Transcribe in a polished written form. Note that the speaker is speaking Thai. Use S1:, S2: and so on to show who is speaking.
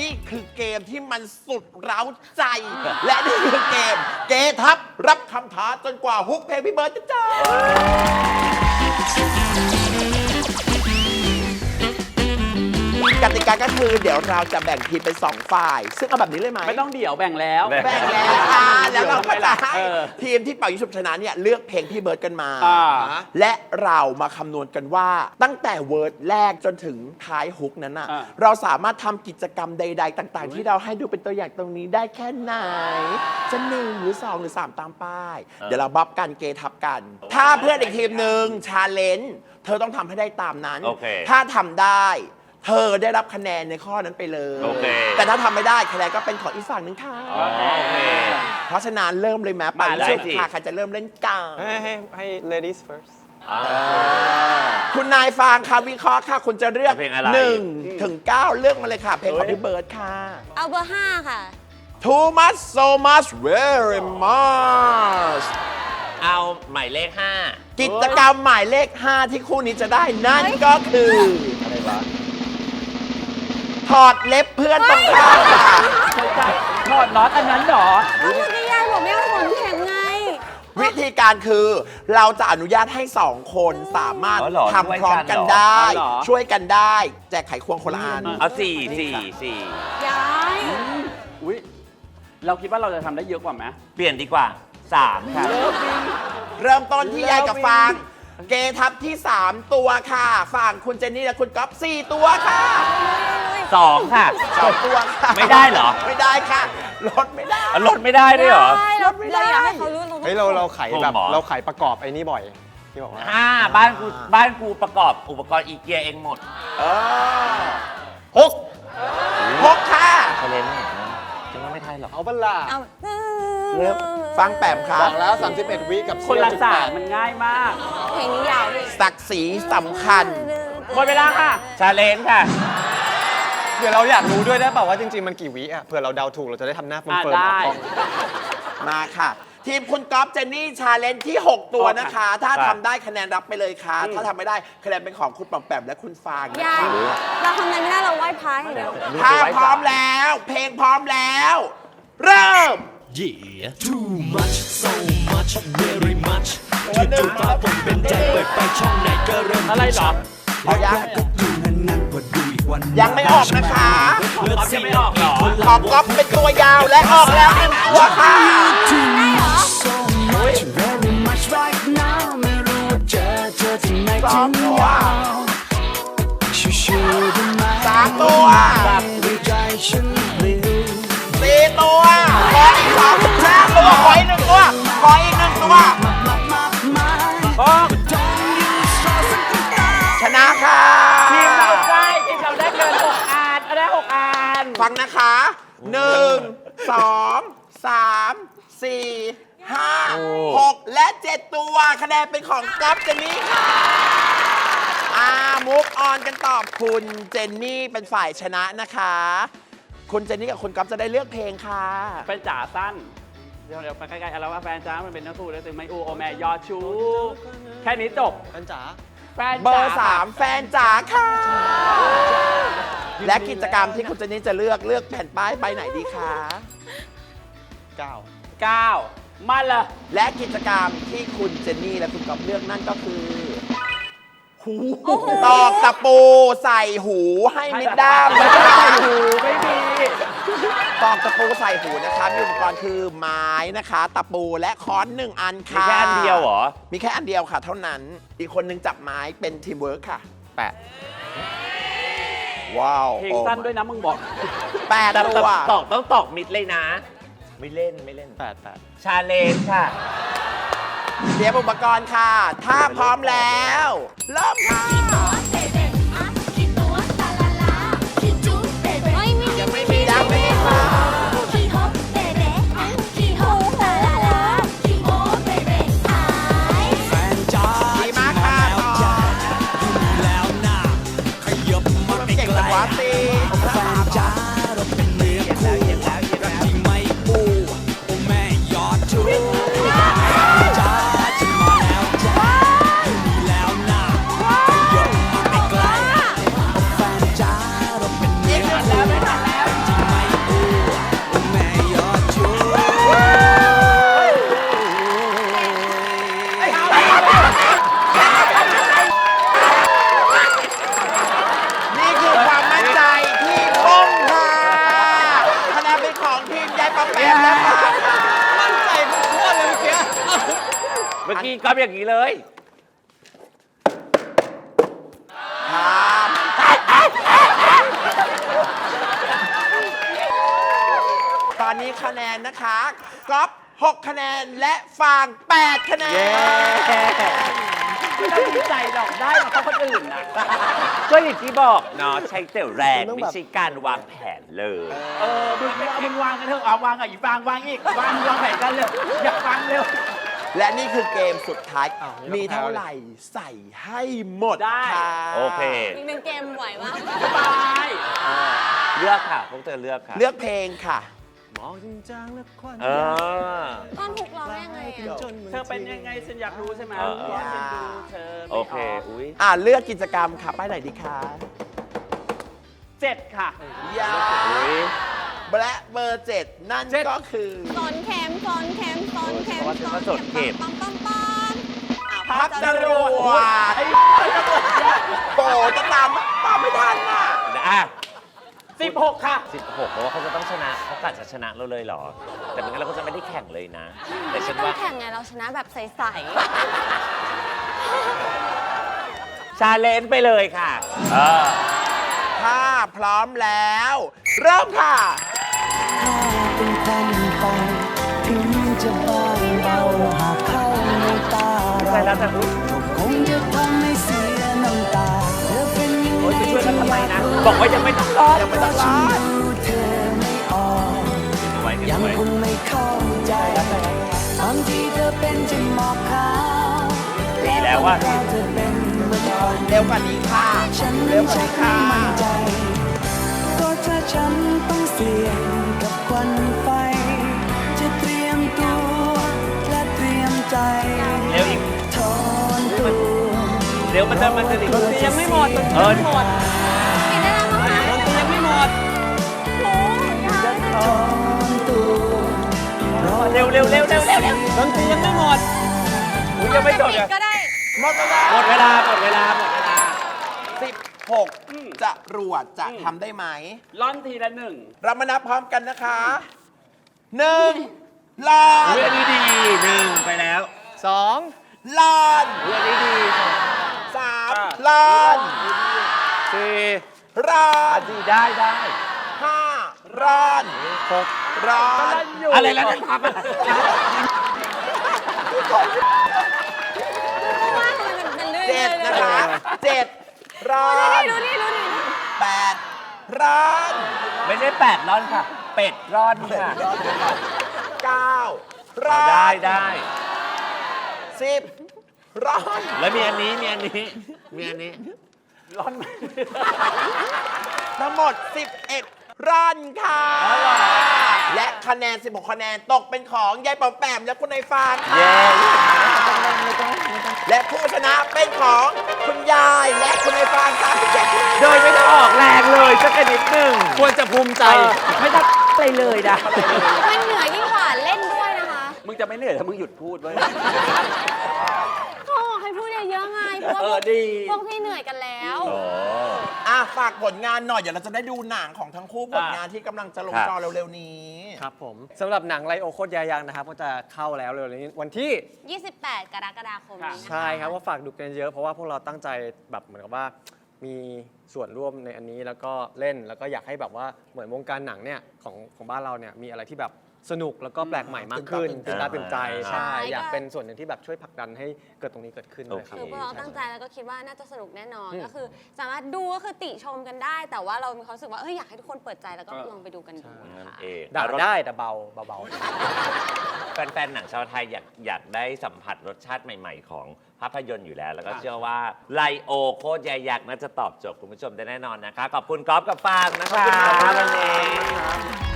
S1: นี่คือเกมที่มันสุดเร้าใจ และนี่คือเกมเกทับรับคำท้าจนกว่าฮุกเพลงพี่เบิร์ดจะจบกติกาก็คือเดี๋ยวเราจะแบ่งทีมเป็น2ฝ่ายซึ่งเอาแบบนี้เลยไหม
S2: ไม่ต้องเดี๋ยวแบ่งแล้ว
S1: แบ่งแล้วแล้วเราก็จะให้ทีมที่เป่ายิงฉุบชนะเนี่ยเลือกเพลงพี่เบิร์ดกันมาและเรามาคำนวณกันว่าตั้งแต่เวิร์ดแรกจนถึงท้ายฮุกนั้นน่ะเราสามารถทำกิจกรรมใดๆต่างๆที่เราให้ดูเป็นตัวอย่างตรงนี้ได้แค่ไหนจะ1หรือ2หรือ3ตามป้ายเดี๋ยวเราบัฟกันเกทับกันถ้าเพื่อนอีกทีมหนึ่งชาเลนจ์เธอต้องทำให้ได้ตามนั้นถ้าทำได้เธอได้รับคะแนนในข้อนั้นไปเลยแต่ถ้าทำไม่ได้คะแนนก็เป็นของอีกฝั่งหนึ่งค่ะเพราะฉะนั้นเริ่มเลยแม้ป่าชุดค่ะใครจะเริ่มเล่นกัน
S3: ให้ ladies first
S1: คุณนายฟางค่ะวิเคราะห์ค่ะคุณจะเลือก1 ถึง 9เลือกมาเลยค่ะเพลงของพี่เบิร์ดค่ะ
S4: เอาเบอร์ 5 ค่ะ
S1: Too much so much very much
S5: เอาหมายเลข 5
S1: กิจกรรมหมายเลข 5 ที่คู่นี้จะได้นั่นก็คืออะไรวะถอดเล็บเพื่อนตรงข้ามค่ะ
S2: ถอดน็อตอันนั้นหรอ
S4: เอาเมื่อกี้ยายบอกไม่เอาขนแข็งไง
S1: วิธีการคือเราจะอนุญาตให้2คนสามารถทำพร้อมกันได้ช่วยกันได้แจกไขควงคนละอัน
S5: เอา4
S4: ยาย
S2: อุ๊ยเราคิดว่าเราจะทำได้เยอะกว่าไหม
S5: เปลี่ยนดีกว่า3ค่ะ
S1: เริ่มต้นที่ยายกับฟางเกทับที่3ตัวค่ะฝั่งคุณเจนนี่และคุณก๊อฟ4ตัวค่ะ
S5: 2ค่ะ
S1: 2ตัวค่ะ
S5: ไม่ได้เหรอ
S1: ไม่ได้ค่ะลดไม่ได้
S5: ลดไม่ได้ด้วยเหรอ
S4: เราอยากให้เขารู้
S3: เราไขแบบเราไขประกอบไอ้นี่บ่อยที่บอกว่า
S5: บ้านกูประกอบอุปกรณ์อีเกียเองหมด
S1: 6ค่ะ
S5: เขาเล่นจะว่าไม่ไทยหรอก
S3: เอาบัลล่า
S1: ฟังแปมครับ
S3: บอกแล้ว31วิกับ
S2: คนละ3มันง่ายมาก
S4: เพลงนี้ยาวดิ
S1: ศักดิ์ศรีสำคัญ
S2: หมดเวลาค่ะ
S5: ชาเลนจ์ค่ะ
S3: เดี๋ยวเราอยากรู้ด้วยได้เปล่าว่าจริงๆมันกี่วิอ่ะเผื่อเราเดาถูกเราจะได้ทำหน้าเฟิร์ม
S2: ได้
S1: มาค่ะทีมคุณก๊อฟเจนนี่ชาเลนจ์ที่6ตัวนะคะถ้าทำได้คะแนนรับไปเลยค่ะถ้าทำไม่ได้คะแนนเป็นของคุณปอมแปมและคุณฟาง
S4: เราทำอะไรไม่ได้เราไหว้พระอย่างเดียว
S1: ถ้าพร้อมแล้วเพลงพร้อมแล้วเริ่ม
S6: Yeah too much so much very much จู่ๆฟ้าฝนเป็นใจเปิดไปช่องไหนก็เริ่ม
S2: อะไรหรอ
S1: ยังไม่ออกนะคะ
S2: ยังไม่ออกหรอ
S1: ของก๊อฟเป็นตัวยาวและออกแล้ว1ตัวค่ะ2 ตัว3 ตัว4 ตัวขออีก5 ตัวขออีก1 ตัวขออีก1 ตัวชนะค่ะ
S2: ทีมเราได้เกิน6 อันได้6 อัน
S1: ฟังนะคะ1 2 3 4 5 6 และ 7 ตัวคะแนนเป็นของก๊อฟเจนนี่ค่ะมุกออนกันตอบคุณเจนนี่เป็นฝ่ายชนะนะคะคุณเจนนี่กับคุณก๊อฟจะได้เลือกเพลงค่ะ
S2: เป็นจ๋าสั้นเดี๋ยวไปใกล้ๆแล้วว่าแฟนจ๋ามันเป็นนักสู้แล้วถึงไม่อูโอแม่ยอดชูแค่นี้จบ
S3: แฟนจ๋า
S1: เบอร์ 3แฟนจ๋าค่ะและกิจกรรมที่คุณเจนนี่จะเลือกแผ่นป้ายใบไหนดีคะ
S2: 9มาเลย
S1: และกิจกรรมที่คุณเจนนี่และคุณก๊อฟเลือกนั่นก็คือหูตอกตะปูใส่หูให้มิดด้าม
S2: ไม่ใส่หูไม่มี
S1: ตอกตะปูใส่หูนะคะมีอุปกรณ์คือไม้นะคะตะปูและค้อน1 อันค่ะ
S5: มีแค่อันเดียวเหรอ
S1: มีแค่อันเดียวค่ะเท่านั้นอีกคนนึงจับไม้เป็นทีมเวิร์คค่ะ8ว้าว
S2: เพลงสั้นด้วยนะมึงบอก
S1: 8 ตัว
S5: ต้องตอกมิดเลยนะไม่เล่น8ชาเลนจ์ค่ะ
S1: เตรียมอุปกรณ์ค่ะถ้าพร้อมแล้วเริ่มค่ะยังไม่มีค่ะดีมากค่ะเก่งจังวะตี
S5: กี้ก๊อฟอย่างนี้เลย
S1: ครับตอนนี้คะแนนนะคะก๊อฟ6 คะแนนและฟาง 8 คะแนน
S2: ไม่ต้องดีใจหรอกได้มาเพราะคนอื่นนะ
S5: ก็อย่างที่บอกเนาะใช้แต่แรงไม่ใช่การวางแผนเลย
S2: มึงวางกันเถอะเอาวางกับอีฟางวางอีกวางแผนกันเลยอยากฟังเร็ว
S1: และนี่คือเกมสุดท้าย มีเท่าไหร่ใส่ให้หมด
S2: ได้
S1: ค่ะ
S5: โอเค
S4: อีกหนึ่งเกมไหวมาก
S2: สบาย
S5: เลือกค่ะ พวกเธอเลือกค่ะ
S1: เลือกเพลงค่ะ
S5: เออ
S4: ตอนถูกร้องยังไงอ่ะ
S2: เธอเป็นยังไงฉันอยากรู้ใช่ไหม
S5: เออ
S2: ว่าฉันดูเธอไม่
S5: โอเค
S2: ออก
S5: อุ้ย
S1: เลือกกิจกรรมค่ะป้ายไหนดีคะ
S2: 7 ค่ะ
S1: ยา
S5: อุ้ย
S1: และเบอร์ 7 นั่นก็คือ
S4: สอนแคมสอนแคมสอนแคม
S5: โอ้ยฉันว่าสอนเข็ม
S4: ปั๊มปั๊มปั๊ม
S1: พักจรวดโอ้จะตามไม่ทันอ่ะ
S5: อ่ะ
S2: 16 ค่ะ
S5: 16เพราะว่าเขาจะต้องชนะเขากะจะชนะเราเลยเหรอ แต่ไม่งั้นเราก็จะไม่ได้แข่งเลยนะ แต่ฉัน
S4: ต้อ
S5: ว่า
S4: งแข่งไงเราชนะแบบใส
S5: ชาเลนจ์ไปเลยค่ะ
S1: ถ้าพร้อมแล้ว เริ่มค่ะ
S7: เป็นควันไฟถึงจะบางเบาหากเข้าในตา
S5: ใช่
S7: เรา
S5: แล้วแต่อุ๊ย
S7: คงจะทำให้เสียน้ำตาเธอเป็นยัง
S5: โอ๊ย
S7: ไง
S5: จะช่วยกันทำไมนะ บอกว่ายังไม่ต้องรอด
S1: ยังไม่ต้องรอด
S7: ดูเธอไม่ออก
S5: ไว้
S7: ยัง
S5: ไว้
S7: คงไม่เข้าใจบางทีเธอเป็นจะหมอกขาว
S5: ดีแล้วว่า
S7: เธอเป็นเหมือนควัน
S1: เร็วกว่านี้ค่ะ
S7: ฉัน
S1: เร็วกว่า
S7: ชั
S1: นี้
S7: ก
S1: ค่ะ
S7: ไม่มั่นใจก็ถ้าฉันต้องเสี่ยงกับควันไฟ จะเตรียมตัวและเตรียมใจ
S5: เร็วอีก
S7: ถอนตัว
S5: เร็วมันจะดี
S3: ดนตรียังไม่หมดดนตรี
S5: เออ
S3: ยังไม่หมด
S4: ๆเห็นได้แล้วมั้งคะ
S3: ดนตรียังไม่หมด
S4: โอ้ยยาก
S7: ถอนตัวรอ
S5: เร็วเร็วเร็วเร็วเร็วเร็ว
S3: ดนตรียังไม่หมด
S5: อุ้ยยังไม่จบเลย
S4: ก็ได้
S1: หมดเวลา
S5: หมดเวลาหมดเวลาหมดเวลา
S1: 16 จะรวดจะทำได้ไหม
S2: ล่อนทีละ
S1: เรามานับพร้อมกันนะคะ 1 ลอน
S5: อุ้ยอันนี้ดี1ไปแล้ว
S3: 2
S1: ลอน
S5: อุ้ยอันนี้ดี
S1: 3 ลอน
S3: 4
S1: รอน
S5: ดีได้ได้
S1: 5 รอน
S3: 6
S1: รอน
S2: ๆ
S5: อะไรแล้วนั่นพับอะไร
S4: ว่าทำไมมันเป็นเรื่อย
S1: เจ็ด
S4: เลย
S1: นะคะ7 รอน
S4: ดูนี่
S1: 8 รอน
S5: ไม่ใช่8ร่อนค่ะ เป็ดร่อนค่ะ
S1: 9 รอน
S5: ได้ได้
S1: 10 รอน
S5: แล้วมีอันนี้มีอันนี้มีอันนี้
S2: ล่อน
S1: ทั้งหมด 11 รอนค่ะ และคะแนน 16 คะแนนตกเป็นของยายปอมแปมและคุณนายฟางค่ะ
S5: เย้
S1: และผู้ชนะเป็นของคุณยายและคุณนายฟาง37คะแนน
S5: โดยไม่ต้องออกแรงเลยสักนิดหนึ่ง
S3: ควรจะภูมิใจ
S5: ไม่ต้องอะไรเลยนะ
S4: มันเหนื่อยยิ่งกว่าเล่นด้วยนะคะ
S2: มึงจะไม่เหนื่อยถ้ามึงหยุดพูดไว้ย
S4: เขาบอกให้พูดเยอะๆไงเพราะว่า
S2: ดี
S4: พวกพี่เหนื่อยกันแล้ว
S1: ฝากผลงานหน่อย เดี๋ยวเราจะได้ดูหนังของทั้งคู่ผลงานที่กำลังจะลงจอเร็วๆนี้
S3: ครับผมสำหรับหนังไลโอโคตรยายังนะครับก็จะเข้าแล้วเร็วๆนี้วันที่
S4: 28 กรกฎาคมนี้นะคะ
S3: ใช่ครับว่าฝากดูกันเยอะเพราะว่าพวกเราตั้งใจแบบเหมือนกับว่ามีส่วนร่วมในอันนี้แล้วก็เล่นแล้วก็อยากให้แบบว่าเหมือนวงการหนังเนี่ยของบ้านเราเนี่ยมีอะไรที่แบบสนุกแล้วก็แปลกใหม่มากขึ้น
S1: ตื่
S3: ตื่
S1: น
S3: น
S1: ตา
S3: ตา
S1: ตื่
S3: ตื่
S1: น
S3: น
S1: ใจ
S3: ใจ
S4: ใช่
S3: ใช่
S4: ก็
S3: อยากเป็นส่วนหนึ่งที่แบบช่วยผลักดันให้เกิดตรงนี้เกิดขึ้นด้วยครับ
S4: คือพวกเราตั้งใจแล้วก็คิดว่าน่าจะสนุกแน่นอน
S3: อืม
S4: ก็คือสามารถดูก็คือติชมกันได้ แต่ว่าเรามีความรู้สึกว่าอยากให้ทุกคนเปิดใจแล้วก็ลองไปดูกันดู
S5: นั่น
S4: ค่ะ
S5: เอง
S3: ด่าได้แต่เบา
S5: แฟนๆหนังชาวไทยอยากได้สัมผัสรสชาติใหม่ๆ ของภาพยนตร์อยู่แล้ว แล้วก็เชื่อว่าไลโอโคตรยายักษ์น่าจะตอบโจทย์คุณผู้ชมได้แน่นอนนะคะ ขอบคุณก๊อฟกับฟางนะคะวันนี้